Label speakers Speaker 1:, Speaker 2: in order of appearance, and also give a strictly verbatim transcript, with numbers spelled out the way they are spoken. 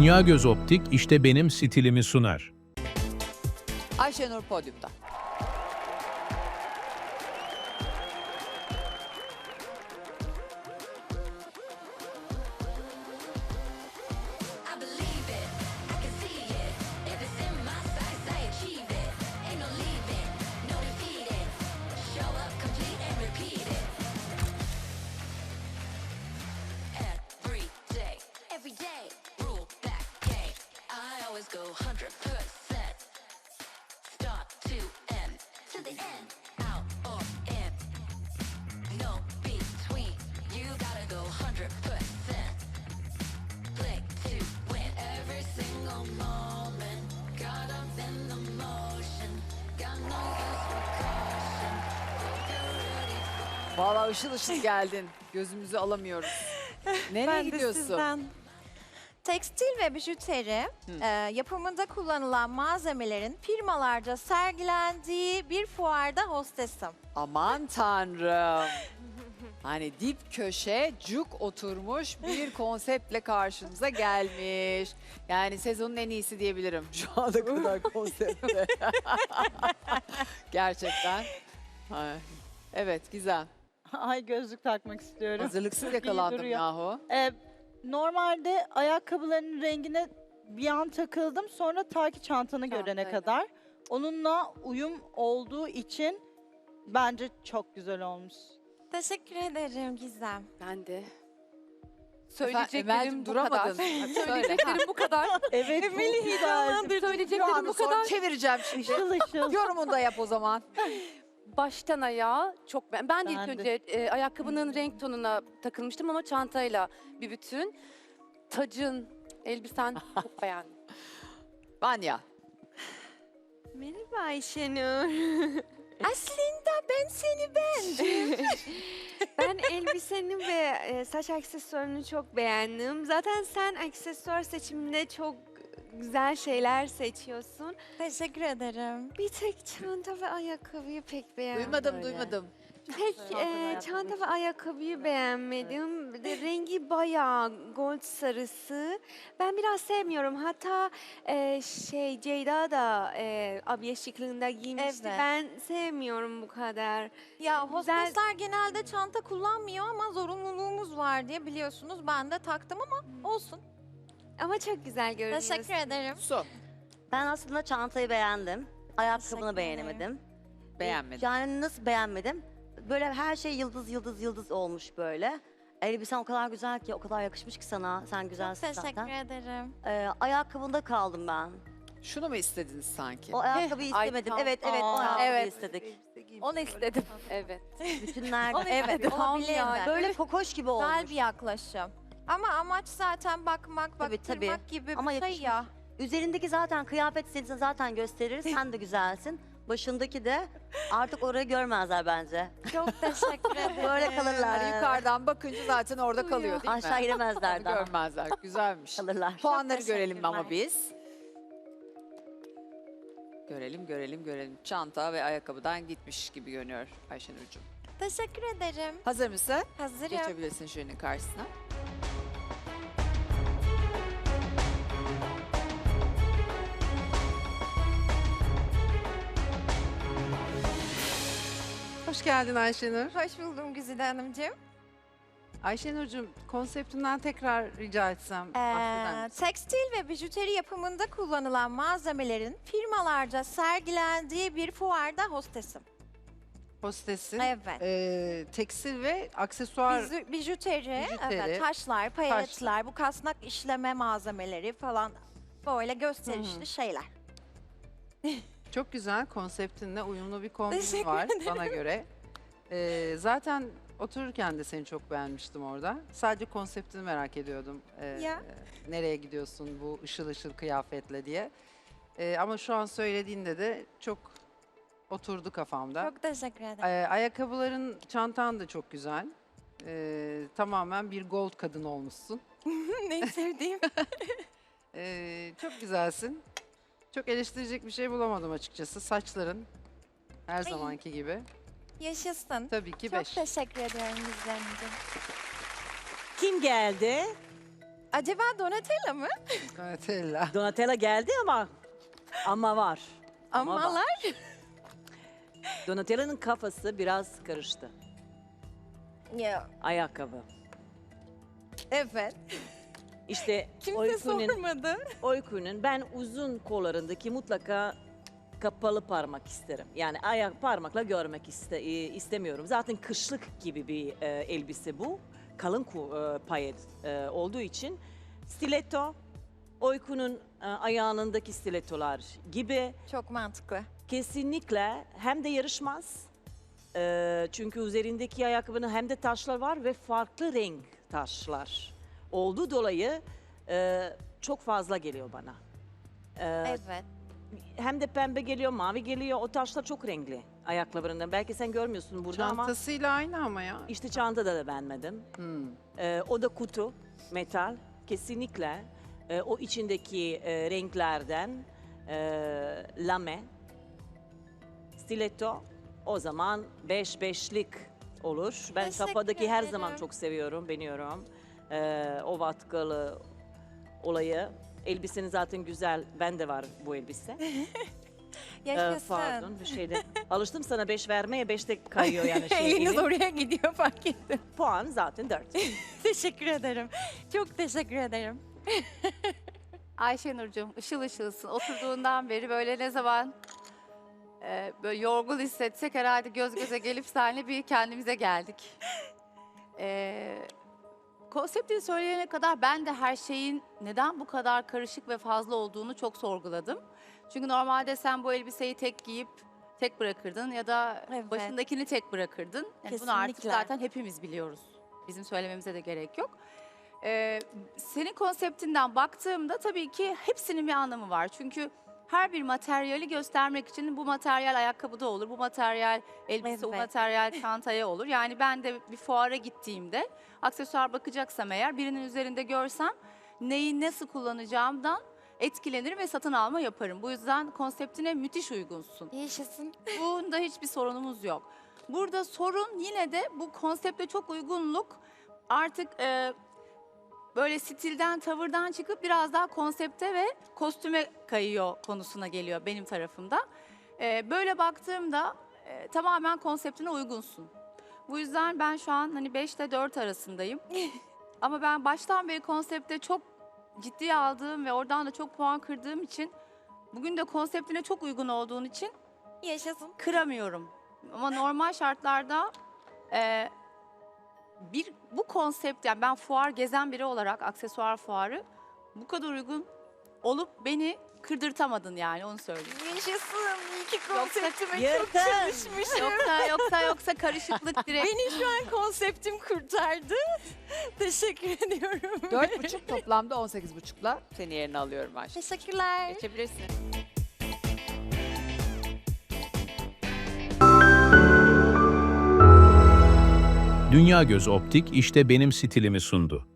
Speaker 1: Dünya Göz Optik işte benim stilimi sunar.
Speaker 2: Ayşenur podyumda.
Speaker 3: I believe it, I can see it. If it's in my sights, I achieve it. Ain't no leaving, no defeating. Show up complete and repeat it. Every day, every day, rule that game. I always go one hundred percent. Start to end, to the end, out or in. No between, you gotta go one hundred percent. Click to win every single moment. Caught up in the motion. Got no use for caution. Hope you're ready for
Speaker 2: Vallahi ışıl ışıl geldin. Gözümüzü alamıyoruz. Nereye
Speaker 4: Ben de
Speaker 2: gidiyorsun?
Speaker 4: sizden.
Speaker 5: Tekstil ve bijuteri e, yapımında kullanılan malzemelerin firmalarca sergilendiği bir fuarda hostesim.
Speaker 2: Aman tanrım. Hani dip köşe cuk oturmuş bir konseptle karşımıza gelmiş. Yani sezonun en iyisi diyebilirim şu ana kadar konseptle. Gerçekten. Ay. Evet güzel.
Speaker 6: Ay gözlük takmak istiyorum.
Speaker 2: Hazırlıksız
Speaker 6: İyi
Speaker 2: yakalandım
Speaker 6: duruyor.
Speaker 2: yahu.
Speaker 6: Ee, normalde ayakkabıların rengine bir an takıldım. Sonra ta ki çantanı görene
Speaker 4: Çantayla.
Speaker 6: kadar. Onunla uyum olduğu için bence çok güzel olmuş.
Speaker 5: Teşekkür ederim Gizem.
Speaker 4: Ben de.
Speaker 2: Emel'cim
Speaker 4: Söyleyeceklerim bu
Speaker 2: duramadın.
Speaker 4: kadar.
Speaker 2: Söyle.
Speaker 4: Söyleyeceklerim bu kadar.
Speaker 6: Evet çok güzel.
Speaker 2: Şu
Speaker 4: Söyleyeceklerim
Speaker 2: anı
Speaker 4: bu
Speaker 2: sonra
Speaker 4: kadar.
Speaker 2: çevireceğim şimdi.
Speaker 6: Işıl ışıl.
Speaker 2: Yorumunu da yap o zaman.
Speaker 4: Baştan ayağa çok ben. Ben de ilk
Speaker 6: Ben de.
Speaker 4: önce e, ayakkabının renk tonuna takılmıştım ama çantayla bir bütün. Tacın, elbisen çok beğendim.
Speaker 2: Vanya.
Speaker 7: Merhaba Ayşenur.
Speaker 5: Aslında ben seni beğendim.
Speaker 7: Ben elbiseni ve e, saç aksesuarını çok beğendim. Zaten sen aksesuar seçiminde çok güzel şeyler seçiyorsun.
Speaker 5: Teşekkür ederim.
Speaker 7: Bir tek çanta ve ayakkabıyı pek beğenmedim.
Speaker 2: Duymadım duymadım.
Speaker 7: Pek e, çanta ve ayakkabıyı beğenmedim. Bir de rengi bayağı gold sarısı. Ben biraz sevmiyorum. Hatta e, şey Ceyda da e, abiye şıklığında giymişti.
Speaker 5: Evet.
Speaker 7: Ben sevmiyorum bu kadar.
Speaker 5: Ya
Speaker 7: Güzel.
Speaker 5: hostesler genelde çanta kullanmıyor ama zorunluluğumuz var diye biliyorsunuz. Ben de taktım ama olsun.
Speaker 7: Ama çok güzel görünüyorsun.
Speaker 5: Teşekkür ederim.
Speaker 2: Su.
Speaker 8: Ben aslında çantayı beğendim.
Speaker 5: Teşekkür
Speaker 8: Ayakkabını
Speaker 5: ederim.
Speaker 8: beğenemedim.
Speaker 2: Beğenmedim.
Speaker 8: Yani nasıl beğenmedim? Böyle her şey yıldız yıldız yıldız olmuş böyle. Elbisen o kadar güzel ki, o kadar yakışmış ki sana. Sen güzelsin
Speaker 5: Teşekkür
Speaker 8: zaten.
Speaker 5: ederim.
Speaker 8: Ee, ayakkabında kaldım ben.
Speaker 2: Şunu mu istediniz sanki?
Speaker 8: O ayakkabıyı
Speaker 4: ay,
Speaker 8: istemedim.
Speaker 4: tam-
Speaker 8: evet evet o
Speaker 6: Aa,
Speaker 8: ayakkabıyı
Speaker 5: evet.
Speaker 8: istedik.
Speaker 5: Onu istedim.
Speaker 4: Evet.
Speaker 8: Bütünlerde.
Speaker 5: Evet,
Speaker 4: Tam
Speaker 5: olabilir
Speaker 4: yani.
Speaker 5: mi?
Speaker 8: Böyle kokoş gibi olmuş.
Speaker 5: Güzel bir yaklaşım. Ama amaç zaten bakmak,
Speaker 8: Tabii,
Speaker 5: baktırmak
Speaker 8: tabii.
Speaker 5: gibi bir
Speaker 8: Ama
Speaker 5: şey
Speaker 8: yakışmış.
Speaker 5: ya.
Speaker 8: Üzerindeki zaten kıyafet seni zaten gösterir. Sen de güzelsin. Başındaki de artık orayı görmezler bence.
Speaker 5: Çok teşekkür ederim.
Speaker 8: Böyle kalırlar.
Speaker 2: Yani yukarıdan bakınca zaten orada kalıyor değil mi?
Speaker 8: Aşağı giremezler
Speaker 2: Onu
Speaker 8: daha.
Speaker 2: görmezler. Güzelmiş.
Speaker 8: Kalırlar.
Speaker 2: Puanları
Speaker 5: Çok
Speaker 2: görelim ama
Speaker 5: teşekkürler.
Speaker 2: biz. Görelim, görelim, görelim. Çanta ve ayakkabıdan gitmiş gibi görünüyor Ayşenur'cum.
Speaker 5: Teşekkür ederim.
Speaker 2: Hazır mısın?
Speaker 5: Hazırım.
Speaker 2: Geçebilirsin jürinin karşısına.
Speaker 9: Hoş geldin Ayşenur.
Speaker 5: Hoş buldum Güzide Hanımcığım.
Speaker 9: Ayşenur'cum konseptinden tekrar rica etsem bahseder
Speaker 5: Ee,
Speaker 9: misin?
Speaker 5: tekstil ve bijuteri yapımında kullanılan malzemelerin firmalarca sergilendiği bir fuarda hostesim.
Speaker 9: Hostesin.
Speaker 5: Evet.
Speaker 9: Ee, tekstil ve aksesuar.
Speaker 5: Bizu- bijuteri,
Speaker 9: bijuteri,
Speaker 5: evet, taşlar, payetler, bu kasnak işleme malzemeleri falan böyle gösterişli
Speaker 9: Hı hı.
Speaker 5: şeyler.
Speaker 9: Çok güzel konseptinle uyumlu bir kombin
Speaker 5: Teşekkür
Speaker 9: var bana göre. Ee, zaten otururken de seni çok beğenmiştim orada. Sadece konseptini merak ediyordum. Ee,
Speaker 5: Ya.
Speaker 9: Nereye gidiyorsun bu ışıl ışıl kıyafetle diye. Ee, ama şu an söylediğinde de çok oturdu kafamda.
Speaker 5: Çok teşekkür ederim.
Speaker 9: Ee, ayakkabıların, çantan da çok güzel. Ee, tamamen bir gold kadın olmuşsun.
Speaker 5: Neyi sevdiğim?
Speaker 9: Ee, çok güzelsin. Çok eleştirecek bir şey bulamadım açıkçası. Saçların her zamanki gibi.
Speaker 5: Yaşasın.
Speaker 9: Tabii ki
Speaker 5: Çok
Speaker 9: beş.
Speaker 5: teşekkür ediyorum Güzide Hanımcığım.
Speaker 10: Kim geldi?
Speaker 5: Acaba Donatella mı?
Speaker 9: Donatella.
Speaker 10: Donatella geldi ama ama var. Ama var.
Speaker 5: Amalar.
Speaker 10: Donatella'nın kafası biraz karıştı.
Speaker 5: Ya,
Speaker 10: Ayakkabı.
Speaker 5: evet.
Speaker 10: İşte
Speaker 5: Kimse
Speaker 10: Oykun'un,
Speaker 5: sormadı.
Speaker 10: Oykun'un ben uzun kollarındaki mutlaka kapalı parmak isterim. Yani ayak parmakla görmek iste, e, istemiyorum. Zaten kışlık gibi bir e, elbise bu. Kalın ku- e, payet e, olduğu için. Stiletto, Oykun'un e, ayağındaki stilettolar gibi
Speaker 5: Çok mantıklı.
Speaker 10: kesinlikle hem de yarışmaz. E, çünkü üzerindeki ayakkabının hem de taşlar var ve farklı renk taşlar. Olduğu dolayı e, çok fazla geliyor bana. E,
Speaker 5: Evet.
Speaker 10: Hem de pembe geliyor, mavi geliyor. O taşlar çok renkli ayakkabılarından. Belki sen görmüyorsun burada ama
Speaker 9: Çantasıyla aynı ama ya.
Speaker 10: işte çantada da beğenmedim.
Speaker 9: Hmm.
Speaker 10: Ee, o da kutu, metal. Kesinlikle e, o içindeki e, renklerden e, lame, stiletto o zaman beş beşlik olur. Ben
Speaker 5: Teşekkür
Speaker 10: kafadaki her zaman
Speaker 5: ederim.
Speaker 10: çok seviyorum, beğeniyorum. Ee, o vatkalı olayı. Elbisenin zaten güzel, bende var bu elbise. Ee,
Speaker 5: Yaşasın.
Speaker 10: pardon bir şeyde. Alıştım sana beş vermeye, beşte kayıyor yani şey.
Speaker 5: Eliniz
Speaker 10: elin.
Speaker 5: oraya gidiyor fark ettim.
Speaker 10: Puan zaten dört.
Speaker 5: Teşekkür ederim. Çok teşekkür ederim.
Speaker 4: Ayşenurcuğum ışıl ışılsın. Oturduğundan beri böyle ne zaman e, böyle yorgun hissetsek herhalde göz göze gelip seninle bir kendimize geldik. E, konseptini söyleyene kadar ben de her şeyin neden bu kadar karışık ve fazla olduğunu çok sorguladım. Çünkü normalde sen bu elbiseyi tek giyip tek bırakırdın ya da
Speaker 5: Evet.
Speaker 4: başındakini tek bırakırdın. Yani bunu artık
Speaker 5: Kesinlikle.
Speaker 4: zaten hepimiz biliyoruz. Bizim söylememize de gerek yok. Ee, senin konseptinden baktığımda tabii ki hepsinin bir anlamı var. Çünkü her bir materyali göstermek için bu materyal ayakkabıda olur, bu materyal elbise, bu
Speaker 5: Evet.
Speaker 4: materyal çantaya olur. Yani ben de bir fuara gittiğimde aksesuar bakacaksam eğer birinin üzerinde görsem neyi nasıl kullanacağımdan etkilenirim ve satın alma yaparım. Bu yüzden konseptine müthiş uygunsun.
Speaker 5: Yaşasın.
Speaker 4: Bunda hiçbir sorunumuz yok. Burada sorun yine de bu konsepte çok uygunluk artık e, böyle stilden, tavırdan çıkıp biraz daha konsepte ve kostüme kayıyor konusuna geliyor benim tarafımda. E, böyle baktığımda e, tamamen konseptine uygunsun. Bu yüzden ben şu an hani beş ile dört arasındayım. Ama ben baştan beri konsepte çok ciddiye aldığım ve oradan da çok puan kırdığım için bugün de konseptine çok uygun olduğun için
Speaker 5: Yaşasın.
Speaker 4: kıramıyorum. Ama normal şartlarda e, bir bu konsept yani ben fuar gezen biri olarak aksesuar fuarı bu kadar uygun olup beni kırdırtamadın yani onu söyleyeyim.
Speaker 5: Yaşasın. İyi ki
Speaker 4: Yoksa-
Speaker 5: konseptime çok
Speaker 10: Yakın.
Speaker 5: çalışmışım.
Speaker 4: Yoksa yoksa yoksa karışıklık direkt.
Speaker 5: Beni şu an konseptim kurtardı. Teşekkür ediyorum.
Speaker 2: Dört buçuk toplamda on sekiz buçukla seni yerine alıyorum Ayşe.
Speaker 5: Teşekkürler.
Speaker 2: Geçebilirsin.
Speaker 1: Dünya Göz Optik işte benim stilimi sundu.